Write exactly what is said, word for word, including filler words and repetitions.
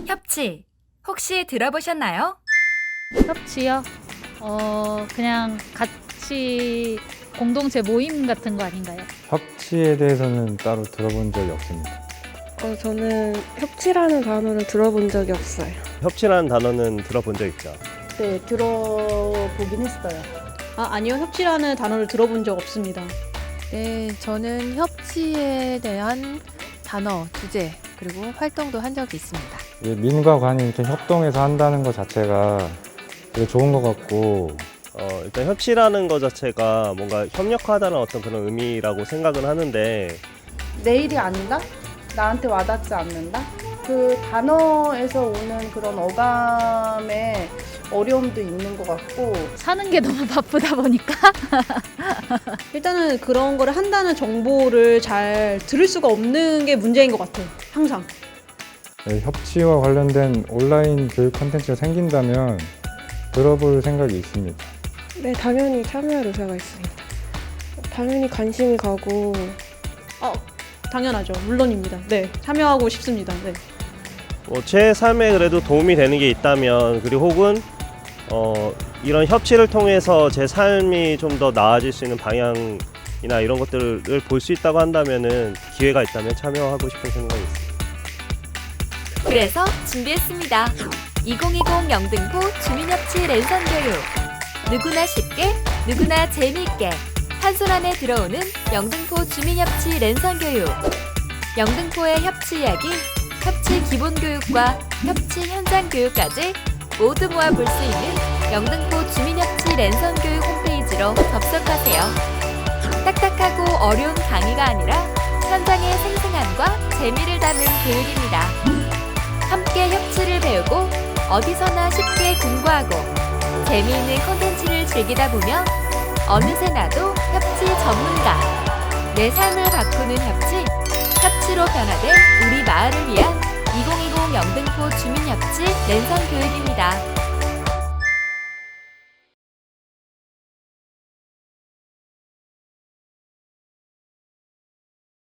협치, 혹시 들어보셨나요? 협치요? 어, 그냥 같이 공동체 모임 같은 거 아닌가요? 협치에 대해서는 따로 들어본 적이 없습니다. 어, 저는 협치라는 단어를 들어본 적이 없어요. 협치라는 단어는 들어본 적 있죠. 네, 들어보긴 했어요. 아, 아니요. 협치라는 단어를 들어본 적 없습니다. 네, 저는 협치에 대한 단어, 주제, 그리고 활동도 한 적이 있습니다. 이게 민과 관이 이렇게 협동해서 한다는 것 자체가 되게 좋은 것 같고, 어, 일단 협치라는 것 자체가 뭔가 협력하다는 어떤 그런 의미라고 생각은 하는데, 내 일이 아니다? 나한테 와닿지 않는다? 그 단어에서 오는 그런 어감의 어려움도 있는 것 같고, 사는 게 너무 바쁘다 보니까 일단은 그런 거를 한다는 정보를 잘 들을 수가 없는 게 문제인 것 같아요. 항상. 네, 협치와 관련된 온라인 교육 콘텐츠가 생긴다면 들어볼 생각이 있습니다. 네, 당연히 참여할 의사가 있습니다. 당연히 관심이 가고 어, 당연하죠. 물론입니다. 네, 참여하고 싶습니다. 네. 뭐 제 삶에 그래도 도움이 되는 게 있다면, 그리고 혹은 어, 이런 협치를 통해서 제 삶이 좀 더 나아질 수 있는 방향이나 이런 것들을 볼 수 있다고 한다면은 기회가 있다면 참여하고 싶은 생각이 있습니다. 그래서 준비했습니다. 이천이십 영등포 주민협치 랜선 교육. 누구나 쉽게, 누구나 재미있게 한 손 안에 들어오는 영등포 주민협치 랜선 교육. 영등포의 협치 이야기, 협치 기본 교육과 협치 현장 교육까지 모두 모아 볼 수 있는 영등포 주민협치 랜선 교육 홈페이지로 접속하세요. 딱딱하고 어려운 강의가 아니라 현장의 생생함과 재미를 담은 교육입니다. 함께 협치를 배우고 어디서나 쉽게 공부하고 재미있는 콘텐츠를 즐기다 보면 어느새 나도 협치 전문가. 내 삶을 바꾸는 협치, 협치로 변화된 우리 마을을 위한 이천이십 영등포 주민협치 랜선 교육입니다.